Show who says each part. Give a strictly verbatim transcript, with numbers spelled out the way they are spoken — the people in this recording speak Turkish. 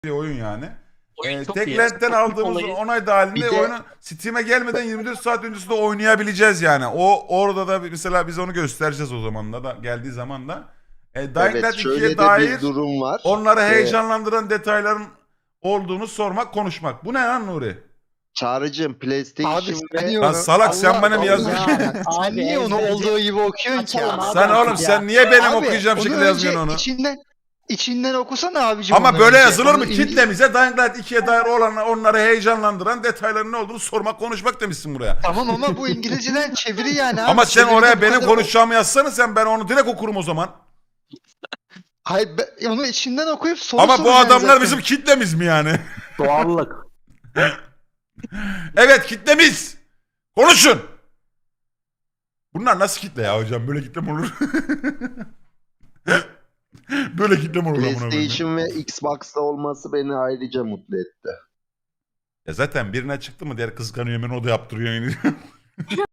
Speaker 1: bir oyun yani.
Speaker 2: Oyun
Speaker 1: Ee,
Speaker 2: çok iyi.
Speaker 1: Techland'den aldığımız
Speaker 2: Olayı-
Speaker 1: onay dahilinde
Speaker 3: Bir de-
Speaker 1: oyunu Steam'e gelmeden yirmi dört saat öncesinde oynayabileceğiz yani. O orada da mesela biz onu göstereceğiz o zaman da, da geldiği zaman da. E, Dying
Speaker 3: Evet,
Speaker 1: Light
Speaker 3: şöyle
Speaker 1: ikiye
Speaker 3: de
Speaker 1: dair
Speaker 3: bir durum var.
Speaker 1: onları
Speaker 3: Ee,
Speaker 1: heyecanlandıran detayların olduğunu sormak, konuşmak. Bu ne lan Nuri?
Speaker 3: Çağrıcığım PlayStation
Speaker 4: Abi sen
Speaker 3: ve...
Speaker 4: niye
Speaker 1: Lan
Speaker 4: onu-
Speaker 1: salak sen
Speaker 4: Allah
Speaker 1: bana mı
Speaker 4: Allah
Speaker 1: yazdın?
Speaker 4: ya. Sen
Speaker 2: Abi,
Speaker 4: niye onu
Speaker 2: ezberci-
Speaker 4: olduğu gibi okuyorsun ki
Speaker 2: Açalım
Speaker 4: ya?
Speaker 2: abi.
Speaker 1: Sen oğlum
Speaker 2: ya.
Speaker 1: sen niye benim
Speaker 4: Abi,
Speaker 1: okuyacağım
Speaker 4: onu
Speaker 1: şekilde
Speaker 4: önce
Speaker 1: yazıyorsun onu?
Speaker 4: İçinden, içinden okusana abicim.
Speaker 1: Ama
Speaker 4: onu
Speaker 1: böyle
Speaker 4: önce.
Speaker 1: yazılır mı?
Speaker 4: Onu in-
Speaker 1: Kitlemize Dying Light ikiye dair olan onları heyecanlandıran detayların ne olduğunu sormak, konuşmak demişsin buraya.
Speaker 4: Tamam ama bu İngilizceden çeviri yani abi.
Speaker 1: Ama sen
Speaker 4: Çeviride
Speaker 1: oraya
Speaker 4: bu
Speaker 1: benim
Speaker 4: kadar-
Speaker 1: konuşacağımı yazsana, sen ben onu direkt okurum o zaman.
Speaker 4: Hayır be- onu içinden okuyup soru
Speaker 1: Ama bu
Speaker 4: soracaksın
Speaker 1: adamlar
Speaker 4: zaten.
Speaker 1: bizim kitlemiz mi yani?
Speaker 5: Doğallık.
Speaker 1: Evet, kitlemiz. Konuşun. Bunlar nasıl kitle ya hocam? Böyle kitle mi olur? Böyle kitle mi olur? amına koyayım?
Speaker 3: PlayStation ve Xbox'ta olması beni ayrıca mutlu etti.
Speaker 1: Ya zaten birine çıktı mı diğer kıskanıyor hemen o da yaptırıyor yine.